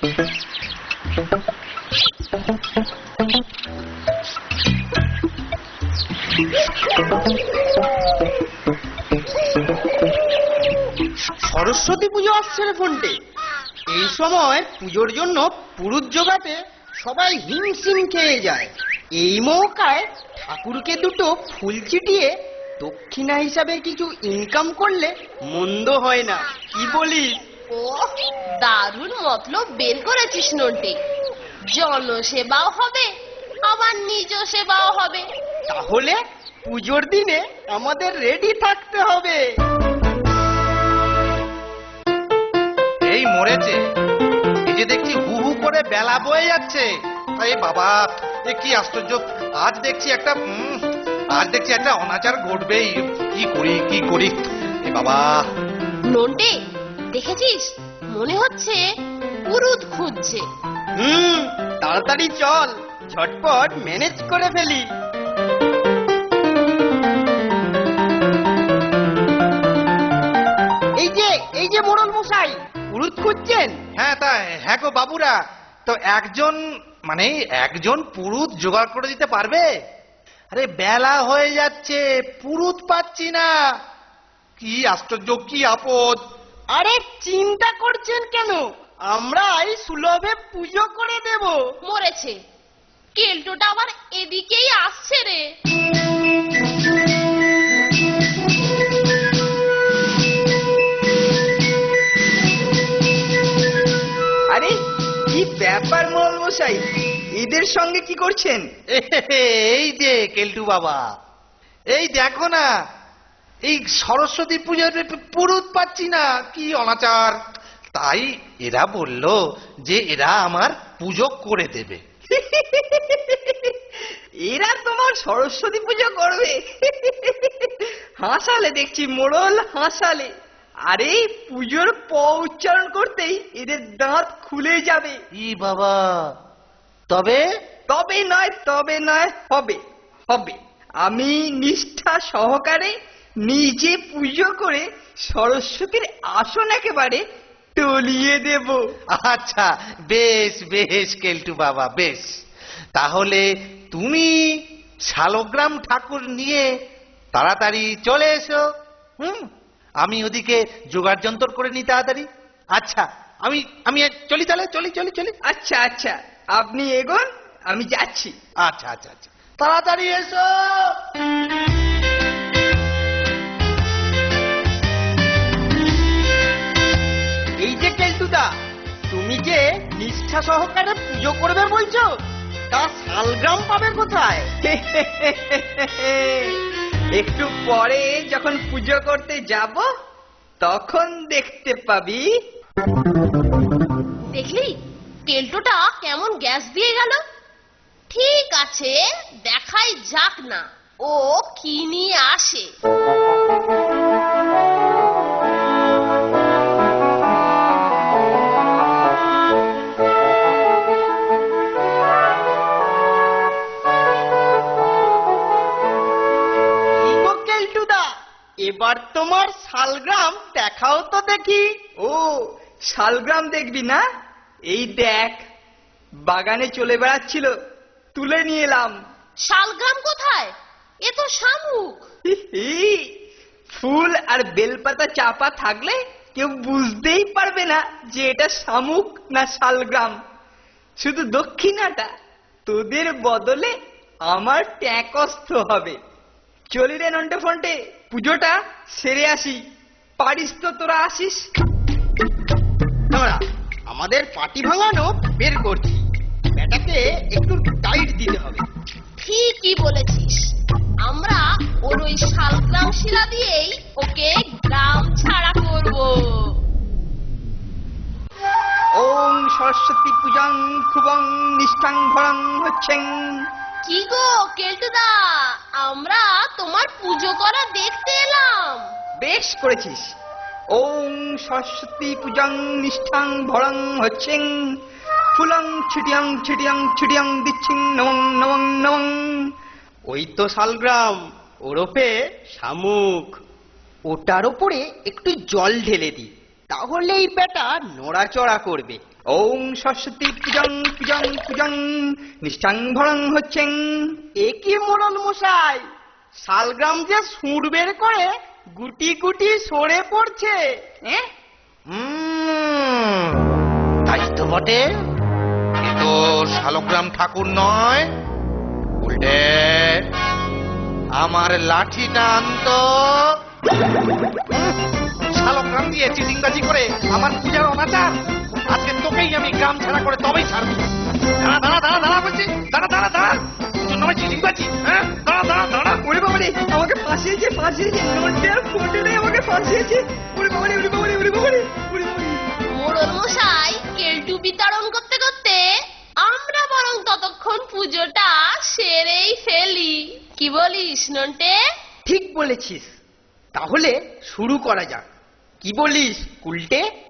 সরস্বতী পুজো আসছে রে ফোনটে। এই সময় পুজোর জন্য পুরুত জোগাতে সবাই হিমশিম খেয়ে যায়। এই মৌকায় ঠাকুরকে দুটো ফুল ছিটিয়ে দক্ষিণা হিসাবে কিছু ইনকাম করলে মন্দ হয় না, কি বলিস? ও দারুণ মতলব বের করেছিস নন্টে। জনসেবাও হবে, আবার নিজ সেবাও হবে। তাহলে পুজোর দিনে আমাদের রেডি থাকতে হবে। এই মরেছে, এই যে দেখছি হু হু করে বেলা বয়ে যাচ্ছে। এই বাবা, এ কি আশ্চর্য! আজ দেখছি একটা অনাচার ঘটবেই। কি করি এ বাবা। নন্টে দেখেছিস, মনে হচ্ছে পুরুত খুঁজছে। তাড়াতাড়ি চল, ঝটপট ম্যানেজ করে ফেলি। এই যে মোড়ল মশাই, পুরুত খুঁজছেন? হ্যাঁ গো বাবুরা, তো একজন পুরুত জোগাড় করে দিতে পারবে? আরে বেলা হয়ে যাচ্ছে, পুরুত পাচ্ছি না। কি আশ্চর্য, কি আপদ! আরে চিন্তা করছেন কেন, আমরাই সুলভে পুজো করে দেব। মরেছে, কেলটোটা আবার এদিকেই আসছে রে। আরে কি ব্যাপার মোড়ল মশাই, এদের সঙ্গে কি করছেন? এই যে কেলটু বাবা, এই দেখো না, এই সরস্বতী পুজোর পুরুত পাচ্ছি না, কি অনাচার! তাই এরা বলল যে এরা আমার পুজো করে দেবে। এরা তোমার সরস্বতী পুজো করবে? হাসালে দেখছি মোড়ল, হাসালে। আরে পুজোর প উচ্চারণ করতেই এদের দাঁত খুলে যাবে। ই বাবা, তবে তবে নয়, হবে হবে। আমি নিষ্ঠা সহকারে নিজে পুজো করে সরস্বতীর আসন একেবারে টলিয়ে দেব। আচ্ছা, বেশ বেশ কেলটু বাবা, বেশ। তাহলে তুমি শালগ্রাম ঠাকুর নিয়ে তাড়াতাড়ি চলে এসো। আমি ওদিকে জোগাড় যন্তর করে নি তাড়াতাড়ি। আচ্ছা, আমি চলি, তাহলে চলি। আচ্ছা আচ্ছা, আপনি এগোন, আমি যাচ্ছি। আচ্ছা, তাড়াতাড়ি এসো। এই যে কেলটুদা, তুমি যে নিষ্ঠা সহকারে পুজো করবে বলছো, তা শালগ্রাম পাবে কোথায়? একটু পরে যখন পুজো করতে যাব তখন দেখতে পাবি। দেখলি কেলটোটা কেমন গ্যাস দিয়ে গেল। ঠিক আছে, দেখাই যাক না ও কি নিয়ে আসে। এবার তোমার শালগ্রাম দেখাও তো দেখি। ও, শালগ্রাম দেখবি না? এই দেখ, বাগানে চলে বেড়াচ্ছিল, তুলে নিয়ে এলাম। শালগ্রাম কোথায়? এ তো শামুক। ফুল আর বেলপাতা চাপা থাকলে কেউ বুঝতেই পারবে না যে এটা শামুক না শালগ্রাম। শুধু দক্ষিণাটা তোদের বদলে আমার ট্যাকস্থ হবে। চলি রে নন্টে ফন্টে, পুজোটা সেরে আসি। পারিস তো তোরা আসিস? আমাদের পাটি ভাঙানো বের করছি, ব্যাটাকে একটু টাইট দিতে হবে। ঠিকই বলেছিস, আমরা ওর ওই শালগ্রাম শিলা দিয়েই ওকে গ্রাম ছাড়া করব। ওম সরস্বতী পূজাং খুবং নিষ্ঠাং ভরং হচ্ছেন। কি গো কেলটুদা, আমরা তোমার পুজো করা দেখতে এলাম। বেশ করেছিস। ওম সরস্বতী পূজাং নিষ্ঠাং ভরং হচ্ছেন, ফুলং ছিটিয়াং দিচ্ছিং নমং নমং নমং। ওই তো শালগ্রাম, ওরফে শামুক। ওটার উপরে একটু জল ঢেলে দি, তাহলেই বেটা নড়াচড়া করবে ওম সরস্বতী পূজং পূজং পূজং নিশ্চাং ভরং হচ্ছেন। এ কি মোড়ল মশাই, শালগ্রাম যে সুর বের করে গুটি গুটি সরে পড়ছে। তাই তো বটে, এ তো শালগ্রাম ঠাকুর নয়। উল্টে আমার লাঠিটা আনতো। শালগ্রাম দিয়ে চিটিংবাজি করে আমার পূজার অনাচার, আজকে তোকেই আমি গ্রাম ছাড়া করে তবেই ছাড়বো। দাঁড়া দাঁড়া দাঁড়া দাঁড়া বলছি, দাঁড়া দাঁড়া দাঁড়া, তোর নামে চিটিংবাজি, হ্যাঁ? দাঁড়া দাঁড়া দাঁড়া। ওরে বাবারে, আমাকে ফাঁসিয়েছে ফাঁসিয়েছে, নোটে আর ফোটে নেই, আমাকে ফাঁসিয়েছে। ওরে বাবারে ওরে বাবারে ওরে বাবারে ওরে বাবারে। মোড়ল মশাই কেলটু বিতরণ করতে করতে আমরা বরং ততক্ষণ পুজোটা সেরেই ফেলি। কি বলিস নন্টে? ঠিক বলেছিস, তাহলে শুরু করা যাক। কি বলিস উল্টে?